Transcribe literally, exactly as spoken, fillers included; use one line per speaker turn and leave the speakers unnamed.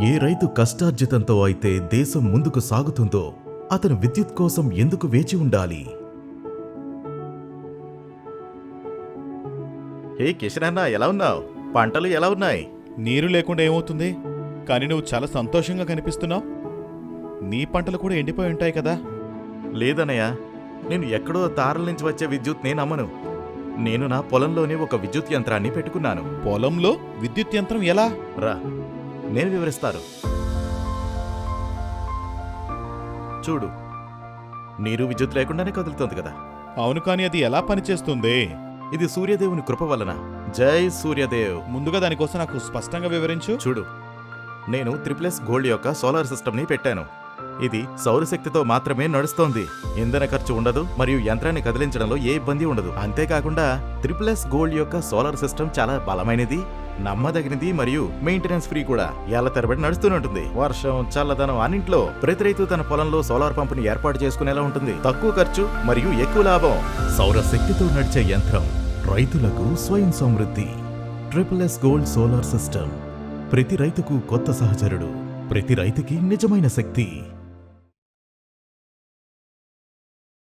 ఏ రైతు కష్టార్జితంతో అయితే దేశం ముందుకు సాగుతుందో అతను విద్యుత్ కోసం ఎందుకు వేచి ఉండాలి?
హే కిషన్ అన్న, ఎలా ఉన్నావు? పంటలు ఎలా ఉన్నాయి?
నీరు లేకుండా ఏమవుతుంది? కానీ నువ్వు చాలా సంతోషంగా కనిపిస్తున్నావు. నీ పంటలు కూడా ఎండిపోయి ఉంటాయి కదా?
లేదన్నయ్య, నేను ఎక్కడో తారల నుంచి వచ్చే విద్యుత్ నేను నమ్మను. నేను నా పొలంలోనే ఒక విద్యుత్ యంత్రాన్ని పెట్టుకున్నాను.
పొలంలో విద్యుత్ యంత్రం ఎలా?
రా, నేను వివరిస్తాను. చూడు, నీరు విద్యుత్ లేకుండానే కదులుతోంది కదా.
అవును, కానీ అది ఎలా పనిచేస్తుంది?
ఇది సూర్యదేవుని కృప వలన. జై సూర్యదేవ్.
ముందుగా దానికోసం నాకు స్పష్టంగా వివరించు.
చూడు, నేను త్రిప్లెస్ గోల్డ్ యొక్క సోలార్ సిస్టమ్ని పెట్టాను. ఇది సౌరశక్తితో మాత్రమే నడుస్తోంది. ఇంధన ఖర్చు ఉండదు మరియు యంత్రాన్ని కదిలించడంలో ఏ ఇబ్బంది ఉండదు. అంతేకాకుండా త్రిప్లెస్ గోల్డ్ యొక్క సోలార్ సిస్టమ్ చాలా బలమైనది, నమ్మదగినది మరియు మెయింటెనెన్స్ ఫ్రీ కూడా. ఏళ్ల తరబడి నడుస్తూనే ఉంటుంది. వర్షం, చల్లదనం అన్నింట్లో ప్రతి రైతు తన పొలంలో సోలార్ పంపుని ఏర్పాటు చేసుకునేలా ఉంటుంది. తక్కువ ఖర్చు మరియు ఎక్కువ లాభం.
సౌరశక్తితో నడిచే యంత్రం రైతులకు స్వయం సమృద్ధి. Triple S gold solar system ప్రతి రైతుకు కొత్త సహచరుడు, ప్రతి రైతుకి నిజమైన శక్తి.